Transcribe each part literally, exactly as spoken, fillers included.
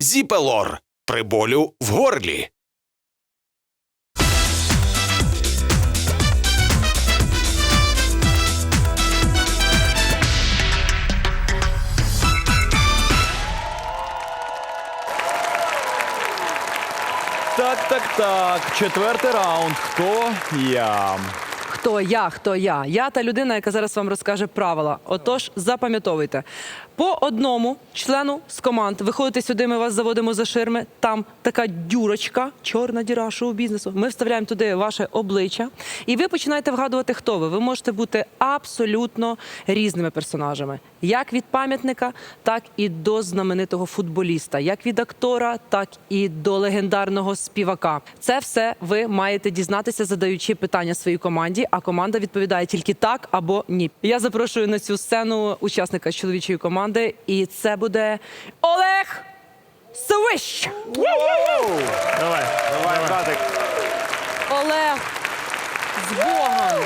Зіпелор при болю в горлі. Так, так, так. Четвертий раунд. Хто я? Хто я, хто я? Я та людина, яка зараз вам розкаже правила. Отож, запам'ятовуйте. По одному члену з команд виходите сюди, ми вас заводимо за ширми. Там така дюрочка, чорна діра шоу-бізнесу. Ми вставляємо туди ваше обличчя. І ви починаєте вгадувати, хто ви. Ви можете бути абсолютно різними персонажами. Як від пам'ятника, так і до знаменитого футболіста. Як від актора, так і до легендарного співака. Це все ви маєте дізнатися, задаючи питання своїй команді, а команда відповідає тільки так або ні. Я запрошую на цю сцену учасника з чоловічої команди, і це буде Олег Свищ. Давай, давай, братик. Олег, з Богом!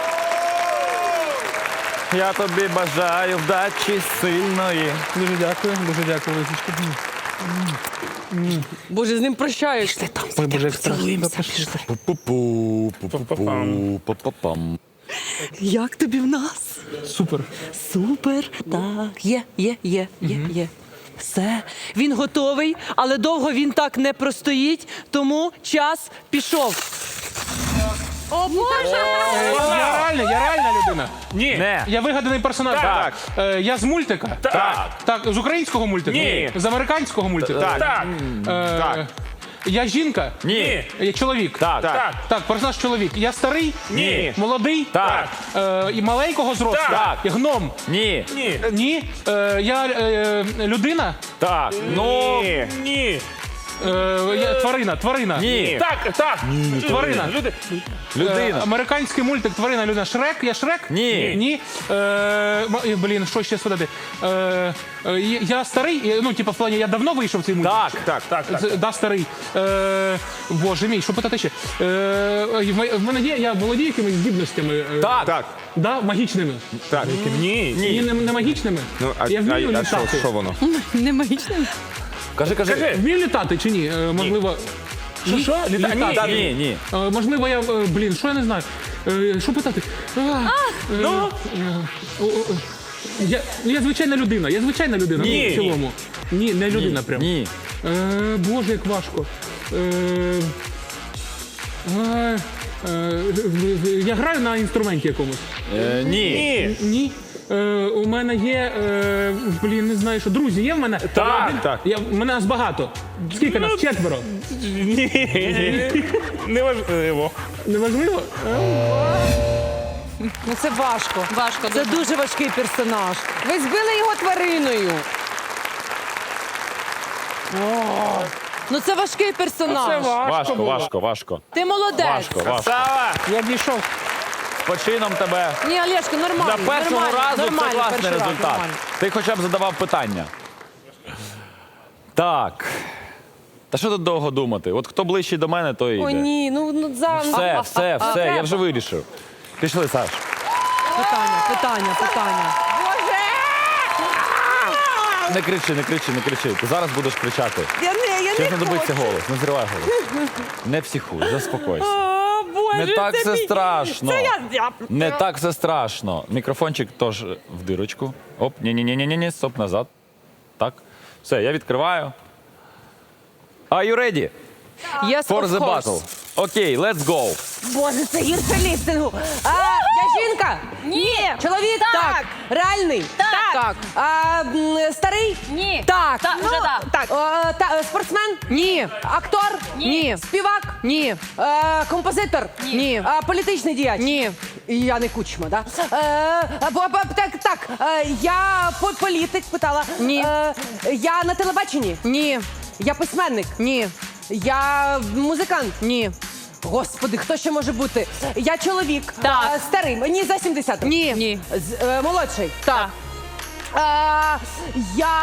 Я тобі бажаю вдачі сильної. Дуже дякую, дуже дякую, Лисичка. Боже, з ним прощаюсь. Пішли там, Ой, Боже, як страшно. поцілуємося, пішли. Пу-пу-пу, пу-пу-пу, пу-пу-пам. Як тобі в нас? Супер. Супер, так, є, є, є, є, є. Все, він готовий, але довго він так не простоїть, тому час пішов. О, Боже! Я реальна, я реальна людина. Ні. Не. Я вигаданий персонаж. Так. Е, я з мультика? Так. Так, з українського мультика? Ні. З американського мультика? Так. Е, Так. Я жінка? Ні. Я чоловік? Так. Так. Так, персонаж чоловік. Я старий? Ні. Молодий? Так. Е, і маленького зросту? Так. Я гном? Ні. Ні. Ні. Е, я е, людина? Так. Ну. Ні. Е, я, тварина, тварина. Ні. Так, так. Тварина. Люди. Е, Людина. американський мультик «Тварина, людина». Шрек? Я Шрек? Ні. Ні. Е, м- е, блін, що ще сказати? Е, е, я старий? Е, Ну, типу, в плані, я давно вийшов в цей мультик? Так. Так, так, так. Це- Да, старий. Е, боже мій, що питати ще? Е, в м- в мене є, я володію якимись здібностями? Е, Так. Так, Да, магічними? так. Ні. Ні. Не, не магічними? Ну, а, я а, вмію а що, літати. що воно? Не магічним? Кажи, кажи. Вмію літати чи ні? Е, можливо... Що, що? Літа- Літати. Ні, ні. Е, можливо, я, е, блін, що я не знаю. Е, що питати? А, е, Ну? е, о, о, я, я звичайна людина, я звичайна людина, Ні. ну, в цілому. Ні, не людина прям. Ні. Е, боже, як важко. Е, е, е, я граю на інструменті якомусь. Е, Ні. Ні. Ні. Е, у мене є, е, блін, не знаю, що друзі є в мене? Так, Я- так. Я, в мене нас багато. Скільки нас? Четверо. Ні. Неважливо. Неважливо? Ну це важко. Важко Це дуже. дуже важкий персонаж. Ви збили його твариною. Ну це важкий персонаж. Важко, важко, важко. Ти молодець. Важко, важко. Сава. Я дійшов. З почином тебе. Ні, Олешко, нормально. За першого нормально, разу це нормально, класний перший раз, результат. нормально. Ти хоча б задавав питання. Так. Та що тут довго думати? От хто ближчий до мене, той і йде. О, ні, ну, ну за... Все, все, все, я вже вирішив. Пішли, Саш. Питання, питання, питання. Не кричи, не кричи, не кричи. Ти зараз будеш кричати. Я не, я Ще не знадобиться хочу. голос. Не зривай голос. Не психуй, заспокойся. О, Боже, Не так це все мій- страшно. Це я... я... Не так все страшно. Мікрофончик теж в дирочку. Оп, ні-ні-ні-ні-ні, стоп, назад. Так. Все, я відкриваю. Are you ready Yes, for of the course. battle? Окей, let's go. Боже, це гірше лістингу. А, я жінка? Ні. Чоловік? Так. Реальний? Так. А, м, старий? Ні. Так. Так, Ну, вже да. так. О, та, е, спортсмен? Ні. Актор? Ні. Співак? Ні. Е, композитор? Ні. А, політичний діяч? Ні. І я не Кучма, да? Е, бо- бо- так, так, е, я по- політик питала. Ні. Е, я на телебаченні? Ні. Я письменник? Ні. Я музикант? Ні. Господи, хто ще може бути? Я чоловік. Так. Е, старий, мені за сімдесят. Ні. Ні. З- е, молодший. Так. Е, я...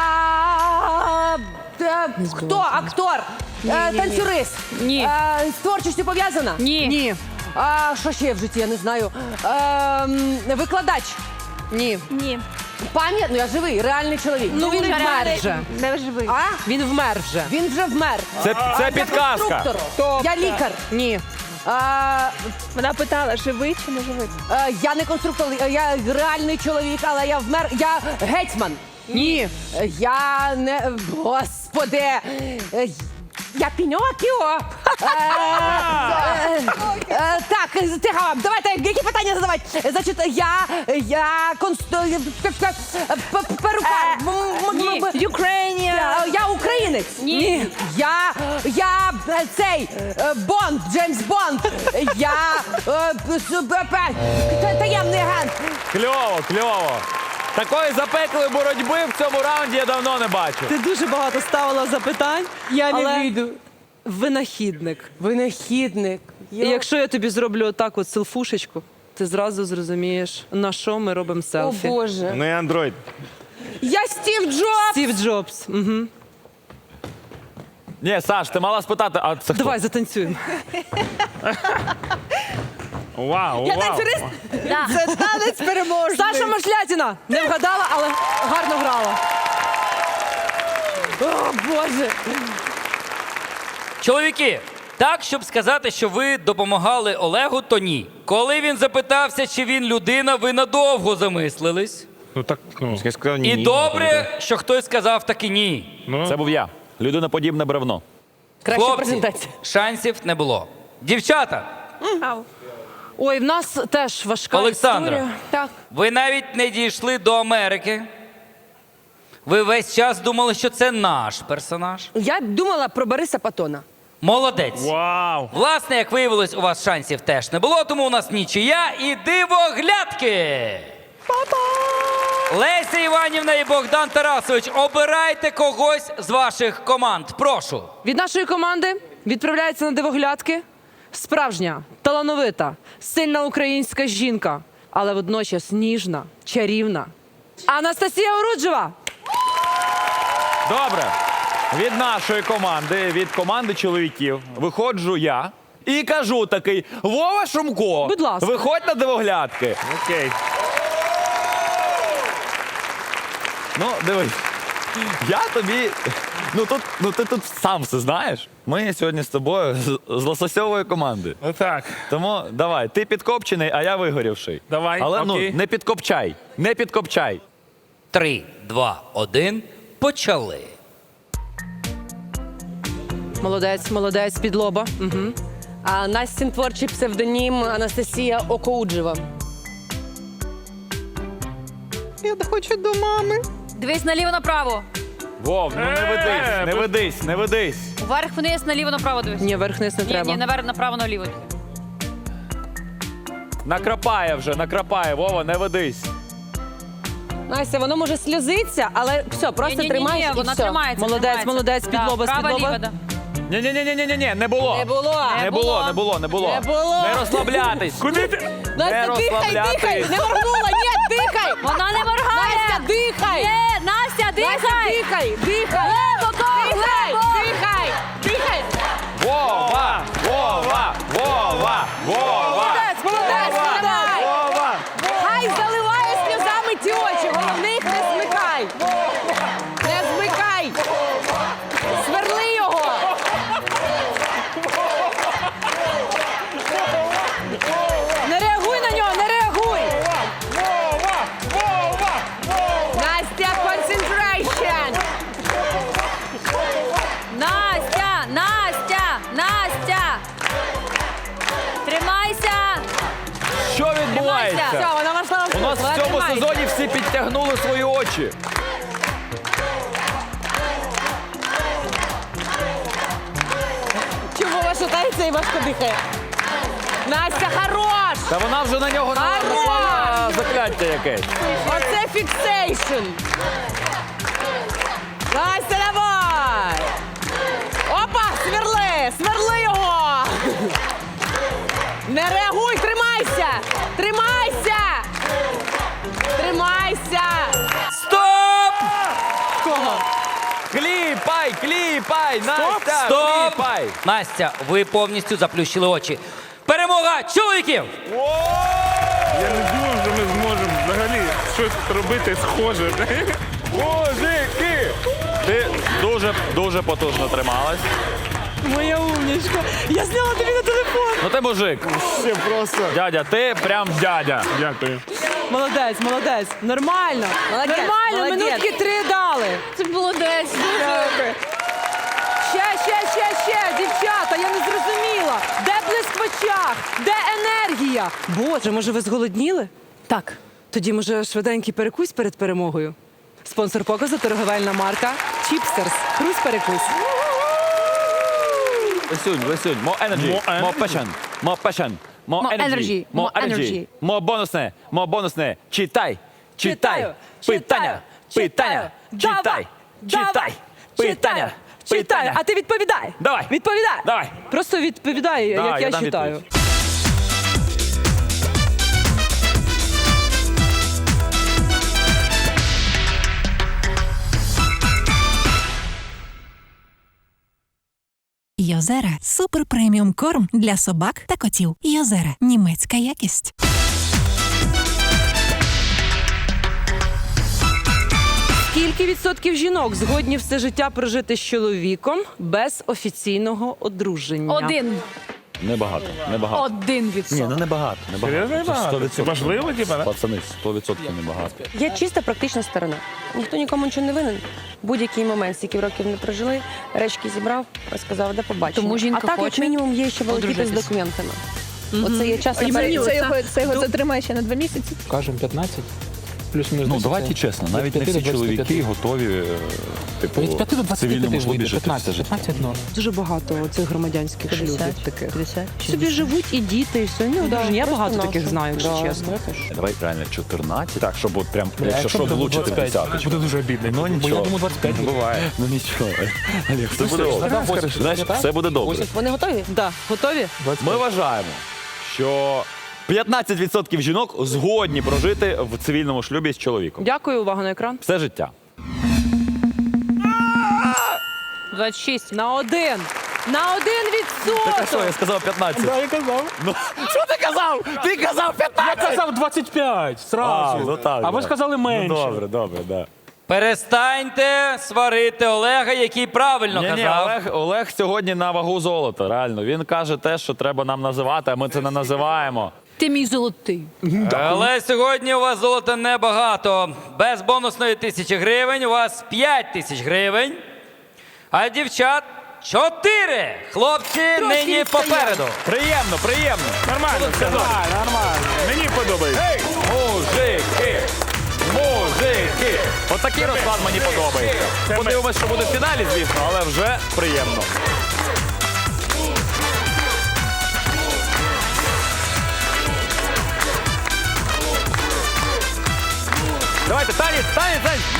е, хто? Актор? Е, танцюрист? Ні. Е, з творчістю пов'язана? Ні. Ні. А що ще є в житті, я не знаю. Е, м, викладач? Ні. Ні. Пам'ять, ну я живий, реальний чоловік. Ну він вмер вже. Не живий. А? Він вмер вже. Він вже вмер. Це, це підказка. Конструктор. Я лікар. Ні. А, Вона питала, живий чи не живий? е, я не конструктор, я реальний чоловік, але я вмер. Я гетьман. Ні. Е, Я не. Господи. Е, Я Пінокіо. Е, е, е, Так, тихо, давайте, які питання задавати? Значить, я, я консту... перукар. Ні. Україні. Я українець. Ні. Я, я е, цей, е, Бонд, Джеймс Бонд. Я е, с- б- п- та- таємний агент. Кльово, кльово. Такої запеклої боротьби в цьому раунді я давно не бачив. Ти дуже багато ставила запитань. Я не але вийду. Винахідник. Винахідник. І якщо я тобі зроблю отак от селфушечку, ти зразу зрозумієш, на що ми робимо О селфі. Боже. Не андроїд. Я Стів Джобс. Стів Джобс. Угу. Ні, Саш, ти мала спитати, а це хто? Давай затанцюємо. Вау, Я вау. танцюрист. Да. Це танець переможний. Саша Машлятіна не вгадала, але гарно грала. О, Боже. Чоловіки, так, щоб сказати, що ви допомагали Олегу, то ні. Коли він запитався, чи він людина, ви надовго замислились. Ну так, ну. Я сказав, ні, І ні, добре, що хтось сказав таки ні. Ну, Це був я. Людиноподібне бревно. Краща Хлопці, презентація. шансів не було. Дівчата, Ой, в нас теж важка Олександра. історія. Так. ви навіть не дійшли до Америки. Ви весь час думали, що це наш персонаж. Я думала про Бориса Патона. Молодець. вау. Власне, як виявилось, у вас шансів теж не було, тому у нас нічия і дивоглядки. Леся Іванівна і Богдан Тарасович, обирайте когось з ваших команд. Прошу. Від нашої команди відправляється на дивоглядки справжня, талановита, сильна українська жінка, але водночас ніжна, чарівна. Анастасія Оруджева! Добре. Від нашої команди, від команди чоловіків, виходжу я і кажу такий: Вова Шумко, Будь ласка. виходь на дивоглядки. Окей. Ну, дивись, я тобі. Ну тут, ну ти тут сам все знаєш. Ми сьогодні з тобою з, з лососьової команди. Ну так. Тому давай, ти підкопчений, а я вигорівший. Давай, Але окей. ну не підкопчай, не підкопчай. Три, два, один. Почали. Молодець, молодець, під лоба. Угу. А Настін творчий псевдонім Анастасія Окоуджева. Дивись наліво-направо. Вов, ну не ведись, Е, не ви- ведись, не ведись. Вверх вниз, наліво-направо дивись. Ні, верх-низ не ні, треба. ні, наверх, направо, наліво. Накрапає вже, накрапає, Вова, не ведись. Настя, воно може сльозиться, але все, просто Ні-ні-ні, тримайся і вона все. тримається. Молодець, тримається. молодець, під Да, лоба, з-під право, лоба. ліво, да. Ні, ні, ні, ні, ні, ні, не було. Не було. Не було, не було, не було. Не було. Не розслаблятись. Куди ти? Не Настя, дихай, дихай! розслаблятись. Не моргнула, ні, дихай! Вона не моргає. Настя, дихай! Ні, Настя, Настя, дихай. дихай, дихай! Глибоко, Дихай, глибоко. дихай, дихай! Вова, Вова, Вова, Вова. Молодець, молодець, молодець! Вова. Хай заливає сльозами ті очі, головне їх не змикай! Не змикай! Сверли його! Не реагуй на нього, не реагуй! Вова! Вова! Настя, concentration! Настя, Настя, Настя. Тримайся. Що Все, відбувається? вона вошла в У нас вона в цьому тримається. сезоні всі підтягнули свої очі. Чому ваша шатається і важко дихає? Настя, хорош! Та вона вже на нього наклала закляття якесь. Оце фіксейшн! Настя, давай! Опа, сверли! Сверли його! Не реагуй, тримайся! Тримайся! Тримайся! Стоп! Кого? Кліпай, кліпай, Настя, Стоп! кліпай. Настя, ви повністю заплющили очі. Перемога чоловіків! Я не думав, що ми зможемо взагалі. щось робити схоже. Мужики! Ти дуже, дуже потужно трималась. Моя умнічка. Я зняла тобі на телефон. Ну ти мужик. Все просто. Дядя, ти прям дядя. Дякую. Молодець, молодець. Нормально. Молодець, Нормально, молодець. минутки три дали. Це молодець. Ще, ще, ще, ще, дівчата, я не зрозуміла. Де блиск в очах? Де енергія? Боже, може ви зголодніли? Так. Тоді, може, швиденький перекусь перед перемогою? Спонсор показу – торговельна марка Чіпстерс. Хрусь-перекусь. Висюнь, висюнь. More energy, More more energy. passion, more passion, more More energy, energy, more more energy. energy. More бонусне, more бонусне. Читай, читай. Читаю, Питання, читаю, питання. читаю. Читай, Давай, читай. давай. Питання, Читаю, питання. а ти відповідай. Давай. Відповідай. Давай. Просто відповідай, Давай, як я я, дам читаю. відповідь. Йозера – супер преміум корм для собак та котів. Йозера – німецька якість. Скільки відсотків жінок згодні все життя прожити з чоловіком без офіційного одруження? Один. Небагато, небагато. Один Ні, відсоток. ну небагато, небагато. Серйозно Це небагато? сто відсотків. Це важливо, типа, да? Пацани, сто відсотків небагато. Я чиста практична сторона. Ніхто нікому нічого не винен. Будь-який момент, стільки років не прожили, речки зібрав, розказав, де побачення. Тому жінка а так, хоче як мінімум, є ще волокіти з одружитись. документами. Оце є час на Це, перевірку. це його, це його затримає ще на два місяці. Кажемо п'ятнадцять. Плюс-мінус. Ну, десять. давайте чесно, навіть не Від всі п'яти до двадцяти чоловіки п'яти. готові, е, типу, Від п'яти до в двадцяти цивільному п'яти шлюбі вийде. жити все п'ятнадцять, життя. п'ятнадцять норм. Дуже багато цих громадянських шлюбів таких. п'ятдесят. Собі живуть і діти, і все. Ну, Да, одружені. Я просто багато нашу. таких знаю, якщо Да, чесно. я теж. Давай реально чотирнадцять. Так, щоб от прям, Бля, якщо що, буде влучити в двадцять п'ять, десяточку. буде дуже обідно. Ну Бо нічого. я думаю, двадцять п'ять Ну, буде. буває. Ну нічого. Олег, все Ну, буде все, добре. тогда скажеш, Знаєш, так? все буде добре. Вони готові? Да. Готові? Ми вважаємо, що п'ятнадцять відсотків жінок згодні прожити в цивільному шлюбі з чоловіком. Дякую, увага на екран. Все життя. двадцять шість. На один. На один Так а що, я відсоток. сказав п'ятнадцять. Да, я казав. Ну, що ти казав? Ти казав Я п'ятнадцять! казав двадцять п'ять, А, сразу. ну так, а ви да. сказали менше. Ну, добре, добре, да. Перестаньте сварити Олега, який правильно Ні, ні, казав. Олег, Олег сьогодні на вагу золота, реально. Він каже те, що треба нам називати, а ми це не називаємо. Ти мій золотий. Але сьогодні у вас золота небагато. Без бонусної тисячі гривень у вас п'ять тисяч гривень. А дівчат чотири. Хлопці нині відстає. попереду. Приємно, приємно. Нормально, все добре. Нормально. Мені подобається. Мужики! Мужики! Отакий розклад мені подобається. Це ми- Подивимось, що буде в фіналі, звісно, але вже приємно. Давайте, танець, танець, танець!